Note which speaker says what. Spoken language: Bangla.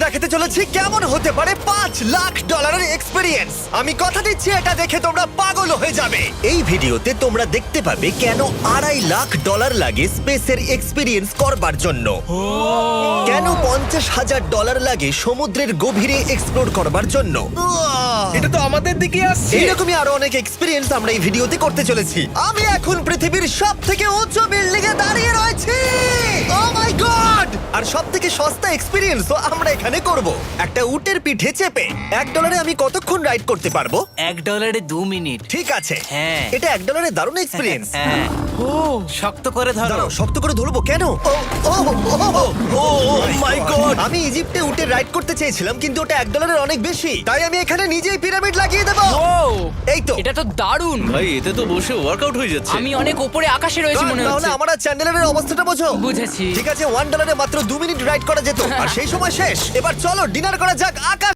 Speaker 1: দেখাতে চলেছি কেমন হতে পারে $5 লাখ এক্সপিরিয়েন্স। আমি কথা দিচ্ছি এটা দেখে তোমরা পাগল হয়ে যাবে। এই ভিডিওতে তোমরা দেখতে পাবে কেন $2.5 লাখ লাগে স্পেসের এক্সপিরিয়েন্স করবার জন্য, কেন $50,000 লাগে সমুদ্রের গভীরে এক্সপ্লোর করবার জন্য।
Speaker 2: এটা তো আমাদের দিকে আসছে।
Speaker 1: এইরকমই আরো অনেক এক্সপিরিয়েন্স আমরা এই ভিডিওতে করতে চলেছি। আমি এখন পৃথিবীর সব থেকে উঁচু বিল্ডিং এ দাঁড়িয়ে রয়েছি। ও মাই গড! আর সব থেকে সস্তা এক্সপিরিয়েন্সও আমরা এখানে করব, একটা উটের পিঠে চেপে। $1 আমি কতক্ষণ রাইড করতে পারবো?
Speaker 3: $1 2 মিনিট।
Speaker 1: ঠিক আছে,
Speaker 3: হ্যাঁ।
Speaker 1: এটা $1 দারুণ এক্সপিরিয়েন্স।
Speaker 3: হ্যাঁ। শক্ত করে ধরো।
Speaker 1: দাঁড়াও, শক্ত করে ধরবো কেন? Oh my god! আমি ইজিপ্টে উটে রাইড করতে চেয়েছিলাম, কিন্তু ওটা $1 অনেক বেশি, তাই আমি এখানে নিজেই পিরামিড লাগিয়ে দেবো। এই তো।
Speaker 4: এটা তো দারুণ।
Speaker 2: ভাই এতে তো বসে ওয়ার্কআউট হয়ে যাচ্ছে।
Speaker 4: আমি অনেক উপরে আকাশে রয়েছি মনে
Speaker 1: তাহলে
Speaker 4: হচ্ছে।
Speaker 1: আমার আর চ্যান্ডেলের অবস্থাটা বোঝো।
Speaker 4: বুঝেছি।
Speaker 1: ঠিক আছে, $1 মাত্র 2 মিনিট রাইড করা যেত, আর সেই সময় শেষ। এবার চলো ডিনার করা যাক আকাশ